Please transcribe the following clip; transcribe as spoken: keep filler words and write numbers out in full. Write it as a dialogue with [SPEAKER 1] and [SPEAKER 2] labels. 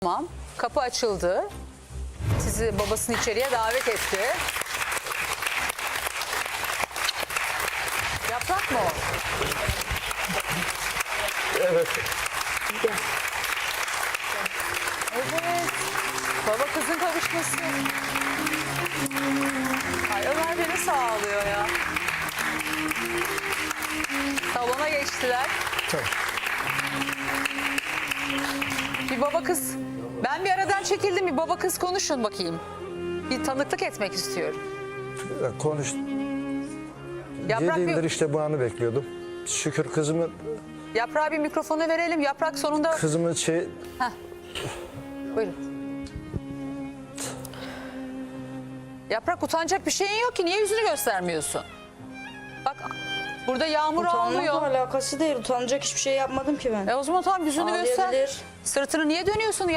[SPEAKER 1] Tamam. Kapı açıldı. Sizi babasını içeriye davet etti. Yaprak mı o?
[SPEAKER 2] Evet.
[SPEAKER 1] Evet. Baba kızın kavuşması. Ay Ömer beni sağlıyor ya. Salona geçtiler.
[SPEAKER 2] Tamam.
[SPEAKER 1] Bir baba kız. Ben bir aradan çekildim. Bir baba kız konuşun bakayım. Bir tanıklık etmek istiyorum.
[SPEAKER 2] Konuş.
[SPEAKER 1] Yaprak
[SPEAKER 2] Yedi yıldır
[SPEAKER 1] bir,
[SPEAKER 2] işte bu anı bekliyordum. Şükür kızımın
[SPEAKER 1] Yaprağa bir mikrofonu verelim. Yaprak sonunda...
[SPEAKER 2] kızımın şey
[SPEAKER 1] Heh. Buyurun. Yaprak utanacak bir şeyin yok ki. Niye yüzünü göstermiyorsun? Bak burada yağmur
[SPEAKER 3] Utanmakla
[SPEAKER 1] almıyor.
[SPEAKER 3] alakası değil. Utanacak hiçbir şey yapmadım ki ben.
[SPEAKER 1] E o zaman tamam yüzünü göster.
[SPEAKER 3] Ağlayabilir.
[SPEAKER 1] Sırtını niye dönüyorsun?